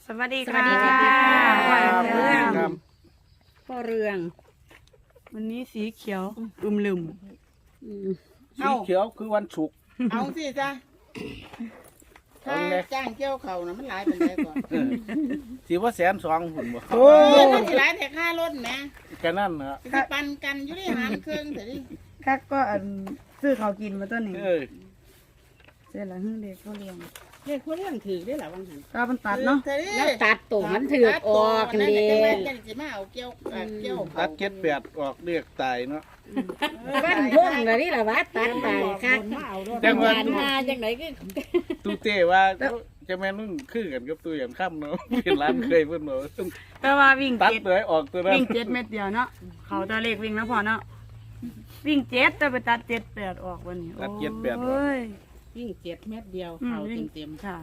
สวัสดีสวัค่ะสดีค่ะพ่อเรื่องครับพ่อเรืองวันนี้สีเขียวอึมลืมสีเขียวคือวันศุกร์เอาสิจ้ะถ้าเอาเลยจ้างเกี่ยวเขานะมันหลายเป็นไรก่อนสีว่า120,000หุ่นบ่โอ้ยมันสิหลายแต่ค่ารถแหมแค่นั้นนะสิปันกันอยู่ที่หารเครื่องแต่ดิคักก็ซื้อเขาวกินมาตัวนี้เออเสร็จแล้วเด็กเขาเลี้ยงเรียกคนเรื่องถือได้หรอวังหันก็มันตัดเนาะแล้วตัดตัวมันถือกออกเด้จะสิมาเอาเกี่ยวเกี่ยวตัด78ออกเรียกตายเนาะบ้านพุ่งเลยนี่ล่ะวะตัดไปค่ะมาเอาด้วยจังหวัดงานมาจังไหนก็ตูเต้ว่าจะแม่นมึงคือกันกับตัวอย่างค่ำเนาะเป็นร้านเคยเพิ่นบอกว่าต้องแต่ว่าวิ่งตัดเจ็ดเลยออกตัวนั้นวิ่งเจ็ดเม็ดเดียวเนาะเขาตัวเลขวิ่งแล้วพอเนาะวิ่งเจ็ดแต่ไปตัด7-8ออกวันนี้ตัด78ออกโอ้ยยิ่ง7 เม็ดเดียวอืมเขาวิ่งเต็มค่ะ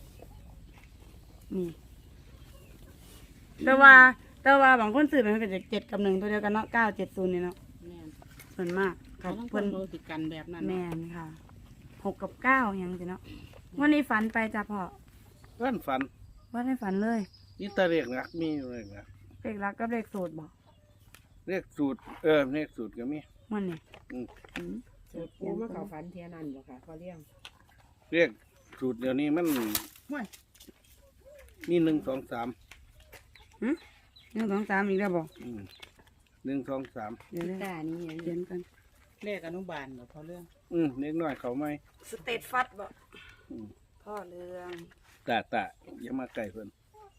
นี่แต่ว่าบางคนซื้อมันเป็น7 กับ 1ตัวเดียวกันเนาะ970นี่เนาะๆแม่นส่วนมากเขาต้องคเพิ่นนโลติกันแบบนั้นแม่นค่ะ6 กับ 9ยังสิเนาะวันนี้ฝันไปจ้ะพ่อเพิ่นฝันว่าให้ฝันเลยนี่ตาเรียกนักมีอยู่เลยนะเลขรักกับเลขสูตรบอกเรียกสูตรเรียกสูตรก็มีมันนี่อืมสูตรปูมาเขาฝันเทียนันบ่ค่ะเขาเลี้ยงเรียกสูตรเดี๋ยวนี้มันห้วยมี1 2 3 1 2 3อีกแล้วบอก 1 2 3 เดี๋ยวตานี่เขียนกันเลขอนุบาลบ่เขาเรื่องเล็กน้อยเขาไหมสเตตฟัดบอกอืมพ่อเรืองตาอย่ามาใกล้เพิ่น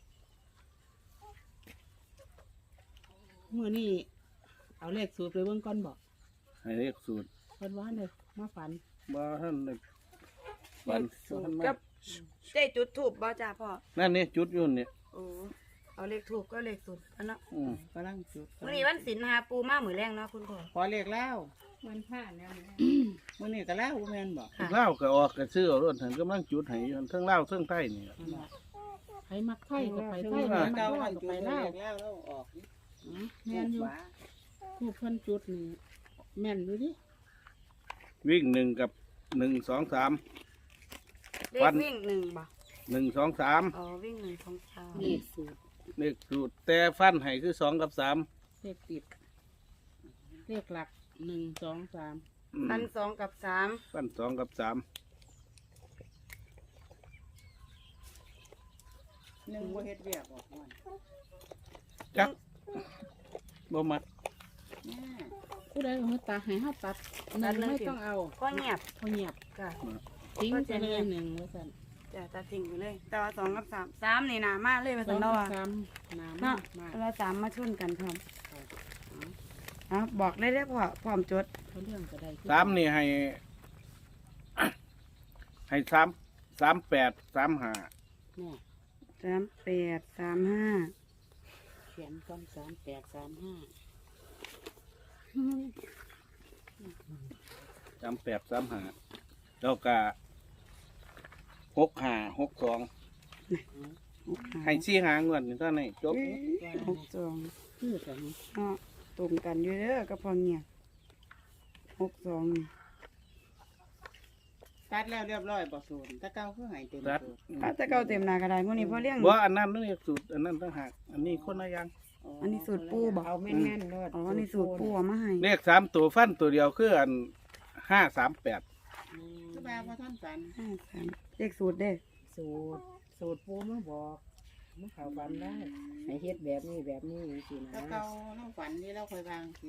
มื้อนี้เอาเลขสูตรไปเบิ่งก่อนบ่ให้เรียกสูตรเพิ่นว่าเลยมาฝันบ่ท่านได้ฝันท่านมากับเจ๊จุดถูกบ่จ้าพ่อนั่นนี่จุดอยุ่นเนี่ยโอ้เอาเลขถูกก็เลขสูตรอันเนาะกำลังจุดวันนี้วันศิลป์หาปูมาหมือแรงเนาะคุณพ่อขอเลขแล้วมันผ่านแล้วมื้อนี้ก็แล้วบ่แม่นบ่ค่ะเล่าวก็ออกก็ซื้อเอารถหันกำลังจุดให้อยู่เทั้งเล่าวเทั้งไทยนี่ใครมักไทยก็ไปไทยมักลาวก็ไปลาวแม่นอยู่ผู้เพิ่นจุดนี่แม่นอยู่ดิวิ่ง1 กับ 1 2 3 เลวัขนวิ่ง1บ่ 1 2 3 อ๋อวิ่ง1 2 3 เลขสูตรเลขสูตรแต่ฟันให้คือ2 กับ 3 เลขติดเลขหลัก1 2 3 ฟัน2 กับ 3 ฟัน2 กับ 3 1บ่เฮ็ดเวียกออกม่วนจักบ่มักผู้ใดเอาตัดให้เฮาตัดนั่นไม่ต้องเอาก็เงียบพอเงียบจ้ะทิ้งไปเลย1ว่าซั่นจะตัดทิ้งไปเลย แต่ว่า2 กับ 3 3นี่หนามากเลยว่าสซั่อน งเนาะกับว่าสามน้ำเนาะมากแต่ว่า3มาชนกันพร้อมเอาบอกได้พ่อพร้อมจดเขาเรื่องก็ได้ 3นี่ให้ ให้3 3 8 3 5 แม่ 38 35 เขียนก่อน38 35 38 35แล้วก็6 5 6 2ให้4หางวดนี่เท่านี้จบ 62 คือกันเนาะตรงกันอยู่เด้อกับพอเงียบ62นี่ตัดแล้วเรียบร้อยบ่สูนตะเก้าคือให้เต็มตัดสูตรถ้าจะเก่าเต็มหน้ากระดาษมื้อนี้พอเลี้ยงบ่อันนั้นเรียกสูตรอันนั้นต่างหากอันนี้คนละอย่างอันนี้สูตรปูบอกเอาแม่นๆเด้อ๋อนี่สูตรปูเอามาให้เลข3ตัวฟันตัวเดียวคืออัน538 คือแบบว่าท่านสัน 53เลขสูตรเด้สูตรปูมาบอกมาเขาฝันได้ให้เฮ็ดแบบนี้แบบนี้สินะตะเก้าเราฝันนี่เราเคยวางสิ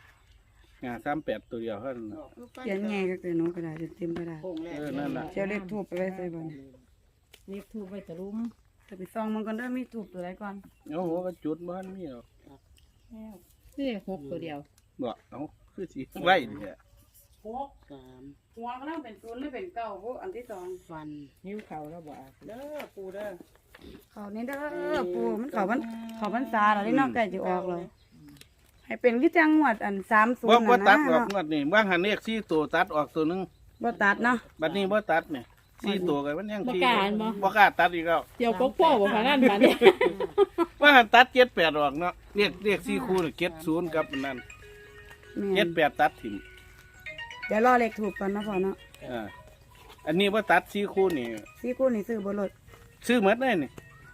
38ตัวเดียวเท่านั้นน่ะเขียนไงก็คือหนูกระดาษเต็มกระดาษโค้งแรกนั่นล่ะเจ้าเลขทูบไปไว้ใส่บ่เนี่ยเลขทูบไว้ตะลุมจะไปซองมันก่อนเด้อมีทูบตัวใดก่อนเอาหัวก็จุดบ่ทันมีหรอกนี่6ตัวเดียวบ่เอาคือสิไว้เนี่ย 3 หัวก็ต้องเป็น0หรือเป็น9พวกอันที่2 ฟันหิ้วเขาแล้วบ่อาบเด้อปูเด้อเขานี่เด้อปูมันเขาพรรษาแล้วนี่เนาะใกล้จะออกแล้วให้เป็นคือจังหวัดอัน30 บ่น่ะตัดออกนะงวดนี้ว่างหันเลข4ตัวตัดออกตัวหนึงบ่ตัดเนาะบัดนี้บ่ตัดเนี่ย4ตัวก็มันยังบ่สี่กล้าอันบ่บ่กล้าตัดอีกแล้วเดี๋ยวก็พ่อบ่พานั่นมาเนี่ยว่าหันตัด78ออกเนาะเลข4คู่นี่70กับอันนั้นแม่น 78ตัดถิ่มเดี๋ยวรอเลขทูบก่อนนะพ่อเนาะอันนี้บ่ตัด4คู่นี่สี่คู่นี่ซื้อบ่ลดซื้อหมดเลยนี่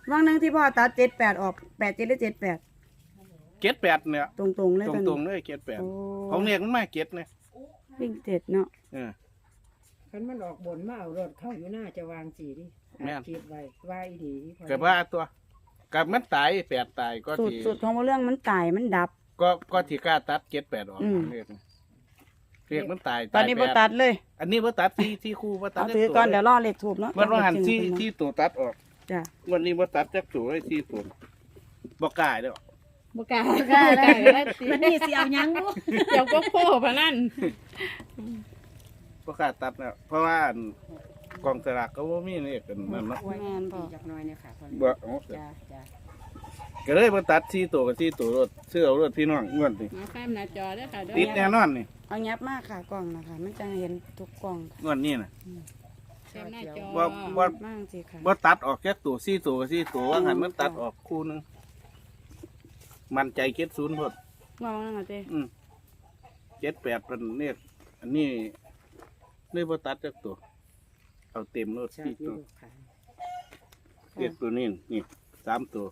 ว่างหนึงที่พ่อตัด78ออก87หรือ78 เก็ดแปดเนี่ยตรงๆเลยตตอนรนี้งๆเลยเก็ดแปดโอ้ของเรียกมันมาเก็ดเนี่ยวิ่ง7เนาะคันมันออกบนมาเอารถเข้าอยู่หน้าจะวางสีดิคิดไว้ว่าอีดีเกิดว่าตัวกับมันตายแปดตายก็สูตรที่สูตรของบ่เรื่องมันตายมันดับก็ที่กล้าตัดเก็ดแปดออกอืมเรียกมันตายตอนนี้ายบ่แปดตัดเลยอันนี้บ่ตัดที่คู่บ่ตัดเอาถือก่อนเดี๋ยวรอเลขทูบเนาะมันว่าหันที่ตัวตัดออกจ้ะวันนี้บ่ตัดจักตัวเลยที่ตัวบ่กล้าเด้อบ่กล้าบ่กล้าเลยมันนี่สิเอาหยังบ่เดี๋ยวก็โผล่พะนั่นบ่กล้าตัดแล้วเพราะว่าอันกองสลากก็บ่มีเลขกันนั่นเนาะแม่นพ่อจักหน่อยเนี่ยค่ะบ่เอาจ้าจ้าก็เลยบ่ตัดที่ตัวกับที่ตัวรถซื้อเอารถพี่น้องงวดนี้มาแคมหน้าจอเด้อค่ะเด้อติดแน่นอนนี่เอายับมากค่ะกล่องนะคะมันจะเห็นทุกกล่องค่ะงวดนี้น่ะแคมหน้าจอบ่บ่มากสิค่ะบ่ตัดออกแค่ตัวซี่ตัวกับซี่ตัวว่าหันมันตัดออกคู่หนึงมันใจเก็ดศูนย์พดมองนั่นเหรอเจ้ 7 8เป็นเนี่ยอันนี้เลยบ่ตัดจักตัวเอาเต็มรถใช่ซี่ที่ตัวลูกขายเก็ดตัวนี้นี่3ตัว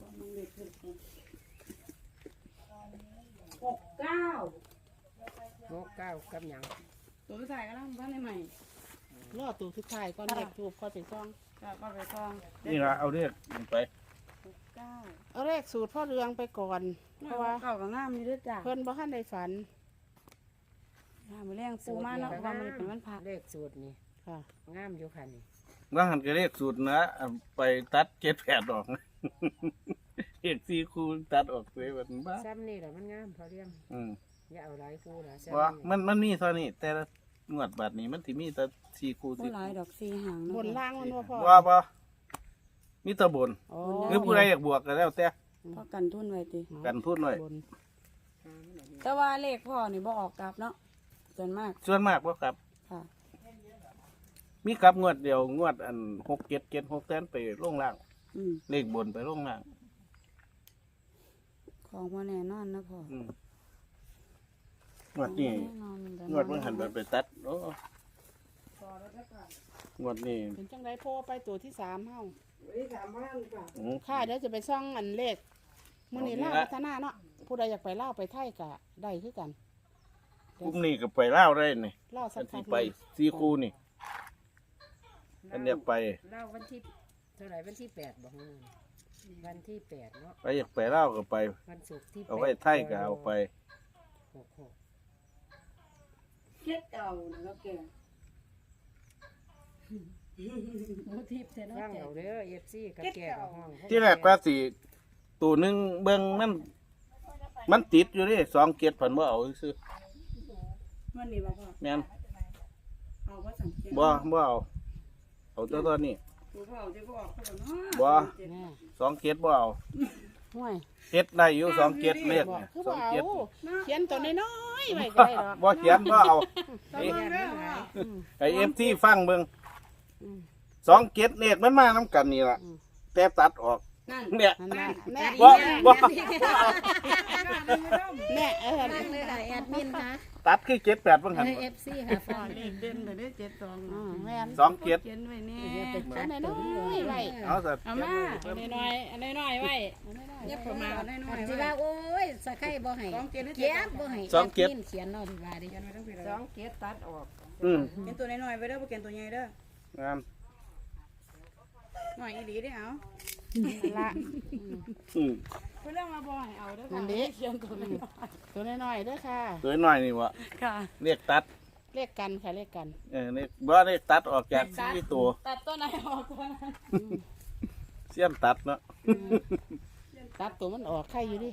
69 โมกเก้ากับหยังตัวใส่ก็ต้องบ้านใหม่รอตัวสุดท้ายก่อนเลขทูบค่อยไปซ่องก็ไปซองนี่ล่ะเอาเรียกไป 9 เอาเลขสูตรพ่อเรืองไปก่อน เพราะว่าเก่ากับงามนี่ด้วยจ้ะเพิ่นบ่ทันได้ฝันมือแรงปูมาเนาะว่ามันเป็นวันพักเลขสูตรนี่ค่ะงามอยู่ค่ะนี่ว่าหันก็เรียกสูตรนะเอาไปตัด7 8ออก เอกซี่คูตัดออกเลยแบบบ้าซ้ำนี่แหละมันงามพอเรียงอืมอย่าเอาหลายคู่ละว่ามันมีเท่านี้ แต่ละงวดบัดนี้มันสิมีแต่สี่คูบ่สี่หลายดอกสีหางบนล่างมันว่าพ่อบ่มีแต่บนอ๋อหรือผู้ใดอยากบวกก็แล้วแต่พอกันทุนไว้ติกันพูดหน่อยบนแต่ว่าเลขพ่อนี่บ่ออกกลับเนาะส่วนมากส่วนมากบ่ครับค่ะมีกลับงวดเดียวงวดอัน6 7 7 6แทนไปลงล่าง เลขบนไปลงล่างของบ่แน่นอนนะพ่ออืมงวดนี้แน่นอนแต่งวดมันหันไปตัดโอ้งวดนี้เป็นจังไดโผล่ไปตัวที่3เฮาอืมค่ะเดี๋ยวจะไปซ่องอันเลขมื้อนี้เอาลาวนี่ละพัฒนาเนาะผู้ใดอยากไปลาวไปไทยก็ได้คือกันพรุ่งนี้ก็ไปเล่าวได้นี่ลาวสัอักนพัที่กไปสี่คูนี่อันอยากไปเล่าวันที่เท่าไหร่วันที่8บอกนู่นวันที่8เนาะไปอยากไปเล่าวก็ไปวันศุกร์ที่เอาไว้ไทยก็เอาไป 66 เฮ็ดเก่าแล้วแกฟังเอาเด้อ FC กับแก่กับห้องที่แรกว่าสิตัวหนึงเบิ่งมันติดอยู่นี่2 เกียรผันบ่เอาซื้อวันนี้บ่พ่อแม่นเอาว่าสังเกตบ่เอาตัวตัวนี้ตัวพ่อเอาจะบ่ออกเขาเนาะบ่แน่ 2 เกียรบ่เอาห่วยเฮ็ดได้อยู่2 เกียรเลขบอกเนี่ยคือสบ่องเอาเกียรเขียนตัวน้อยๆไว้ก็ได้ดอกบ่เขียนบ่เอาต้องมองเด้อพ่อไอ้ FT ฟังเบิ่งอืม 2 เกียรเลขมันมานํกันนี่ล่ะอืมแต่ตัดออกนั่นเนี่ยนั่นน่ะแม่บ่บ่แม่เลยค่ะแอดมินค่ะตัดคือ7 8เบิ่งหั่น FC ค่ะพ่อเลขเด่นไปได้72 อืมแม่น 2 เกียรเขียนไว้แน่อันน้อยๆไว้เอาซะเอามาอันน้อยๆอันน้อยๆไว้อันน้อยๆอย่าประมาทน้อยๆสิว่าโอ้ยสะไข่บ่ให้สองเกียรติเก็บบ่ให้สองเกียรติแดมินเขียนเนาะดีว่าดิเขียนไว้ทั้งปีเลย 2เกตตัดออกอืมเขียนตัวน้อยๆไว้เด้อบ่เขียนตัวใหญ่เด้องามน้อยอีหลีเด้อเอานั่นละอืมเพิ่นเรื่องมาบ่ให้เอาเด้อนั่ค่ะนดิเขียนตัวน้อยตัวน้อยๆเด้อค่ะตัวน้อยนี่วะๆค่ะเรียกตัดเลขกันค่ะเลขกันนี่บ่เรียกตัดออกจากที่ตัวตัดตัวไหนออกตัวนั้นเสี้ยนตัดเนาะตัดตัวมันออกไข่อยู่ดิ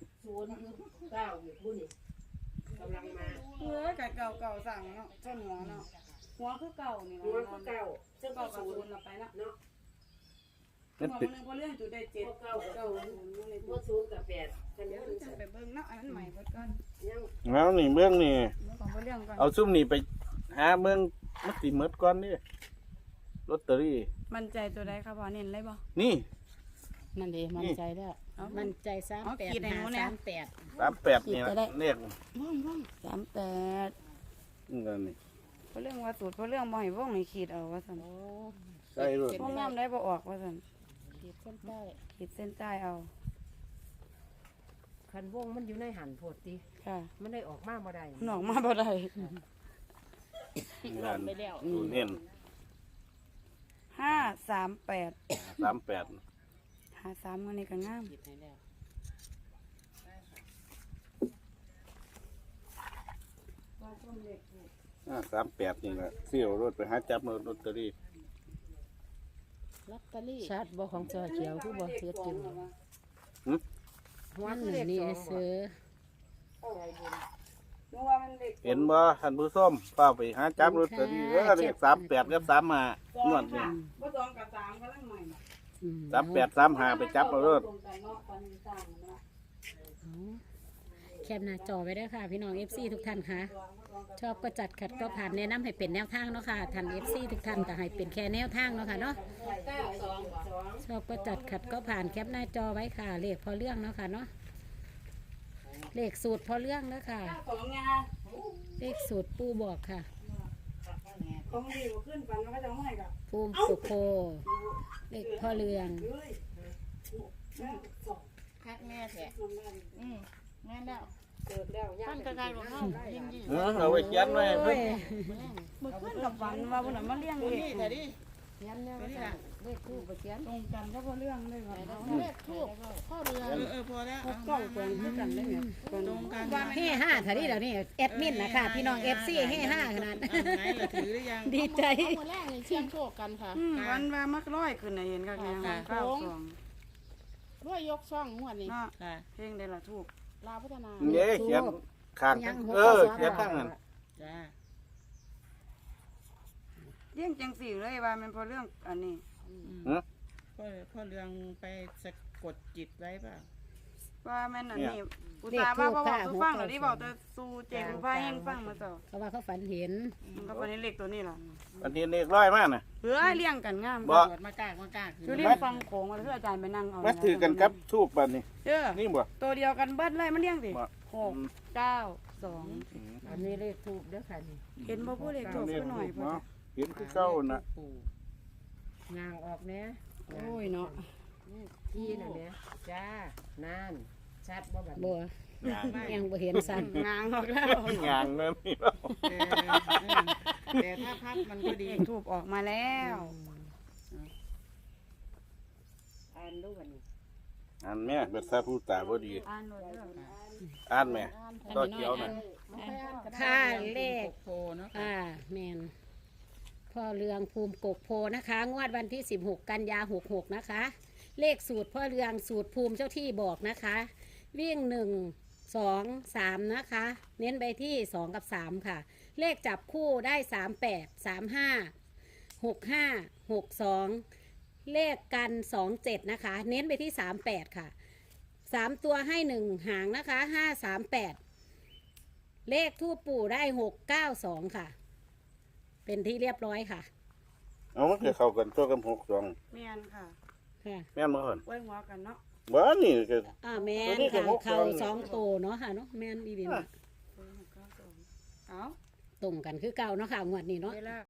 เออไก่เก่าๆสั่งเนาะเจ้าหัวเนาะหัวคือเก่านี่หัวเนาะคือเก่าเจ้าเก่ากับศูนย์เราไปนะนั่นหัวติดนึงพอเรื่องจุดได้7 9 0 บ่ศูนย์กับ8กันเดี๋ยวมันจะไปเบิ่งเนาะอันนั้นใหม่เบิดก่อนยังแล้วนี่เบื้องนี่เรื่องของพอเรื่องก่อนเอาซุ่มนี่ไปหาเมืองมันสิหมดก่อนนี่ลอตเตอรี่มั่นใจตัวใดครับพ่อเน้นเลยบ่นี่นั่นดิมั่นใจแล้วเอามันใจเอาขีดให้หนูเนี่ย 38 38นี่ละเลขว่องว่อง 38 นี่กันนี่พอเรื่องว่าสูตรพอเรื่องบ่ให้วงให้ขีดเอาว่าซั่นใส่รถวงงามได้บ่ออกว่าซั่นขีดเส้นใต้ขีดเส้นใต้เอาคันวงมันอยู่ในหันโพดติค่ะมันได้ออกมาบ่ได้หนองมาบ่ได้งานไปแล้วศูนย์เน้น 538 38 53อันนี้ก็งามขีดให้แล้ว 38นี่ล่ะเสี่ยวรถไปหาจับลอตเตอรี่ลอตเตอรี่ชัดบ่ของจอเขียวคือบ่เฮ็ดจังวันนี่ซื้อเห็นบ่ท่านผู้ชมเฝ้าไปหาจับลอตเตอรี่เลข38กับ35งวดนี้บ่2กับ3กำลังใหม่ 38 35ไปจับเอาเด้อแคปหน้าจอไว้ด้วยค่ะ พี่น้อง FC ทุกท่านค่ะ ชอบก็จัดขัดก็ผ่านแนะนำให้เป็นแนวทางเนาะค่ะท่าน FC ทุกท่านก็ให้เป็นแค่แนวทางเนาะค่ะเนาะชอบก็จัดขัดก็ผ่านแคปหน้าจอไว้ค่ะเลขพอเรื่องเนาะค่ะเนาะเลขสูตรพอเรื่องเนาะค่ะ 2งาเลขสูตรปูบอกค่ะของดีบ่ขึ้นฝันว่าเขาจะเอาให้กับภูมิสุโคเลขพ่อเรืองคักแม่แท้แม่นแล้วเกิดแล้วท่านกระจายของเฮายิ่งเอาไว้เขียนไว้โอ้ยมื้อขึ้นกับฝันว่าบ่น่ะมาเลี้ยงๆเลนี่ขแต่ดิเขียนแล้วเลขคู่บ่เขียนตรงกันก็บ่เรื่องเลยว่าเลขทูบพ่อเรือพอแล้วกล้องตรงคือกันได้เนี่ยตรงกันเฮ่ห้าเท่านี้เดี๋ยวนี้แอดมินนะคะพี่น้อง FC เฮ่ห้าขนาดไหนล่ะถือหรือยังดีใจเอามาแรกนี่เชียงโชคกันค่ะวันว่ามักร้อยขึ้นน่ะเห็นคักแน่ค่ะ 92 รวยยกช่องงวดนี้เนาะค่ะเพลงได้ละถูกลาวพัฒนานี่เขียนข้างเขียนข้างนั้นจ้าเลี้ยงจังสี่เลยว่ามันพอเรื่องอันนี้พ่อเรืองไปสะกดจิตไว้เปล่าว่าแม่นอันนี้อุตส่าห์ว่าบ่บอกสู่ฟังแล้วที่บอกแต่สู่เจงผู้พายแห่งฟังมาเจ้าเขาว่าเขาฝันเห็นมันก็บ่ได้เลขตัวนี้ล่ะอันนี้เลขร้อยมากนะเฮ้ยเลี้ยงกันงามบ่ตรวจมากากอยู่ริมฟังโขงว่าคืออาจารย์ไปนั่งเอามาถือกันกับทูบบัดนี้เด้อนี่บ่ตัวเดียวกันเบิดเลยมันเลี้ยงสิบ่ 6 9 2 อันนี้เลขทูบเด้อค่ะนี่เห็นบ่ผู้เลขถูกซะหน่อยบ่เนาะเห็นคือเก่าน่ะปู่งางออกแน่โอ้ยเนาะที่นั่นเนี่ยจ้านานชัดบ่บัดบัวยังบ่เห็นสันงางออกแล้วงานนั่นนี่เนาะแต่ถ้าพัดมันก็ดีเลขถูกออกมาแล้วอ่านดูบัดนี้อันแม่เบิดซาผู้ตาบ่ดีอ่านโลดเด้ออ่านแม่ต่อเขียวน่ะค่าเลขโพเนาะแมนพ่อเรืองภูมิกกโพนะคะ งวดวันที่ 16 กันยา66 นะคะ เลขสูตรพ่อเรืองสูตรภูมิเจ้าที่บอกนะคะ วิ่ง 1 2 3 นะคะ เน้นไปที่ 2 กับ 3 ค่ะ เลขจับคู่ได้ 38 35 65 62 เลขกัน 27 นะคะ เน้นไปที่ 38 ค่ะ 3 ตัวให้ 1 หางนะคะ 538 เลขทูปปู่ได้ 692 ค่ะ เป็นที่เรียบร้อยค่ะเอามันคือเข้ากันตัวกับ62 แม่นค่ะค่ะแม่นบ่เพิ่นไว้หัวกันเนาะบ่นี่ก็แมนตัวนี้ก็ค่ะ 6 เข่า2โตเนาะค่ะเนาะแมนดีดีเนาะเอาตรงกันคือเก่าเนาะค่ะงวดนี้เนาะเวลา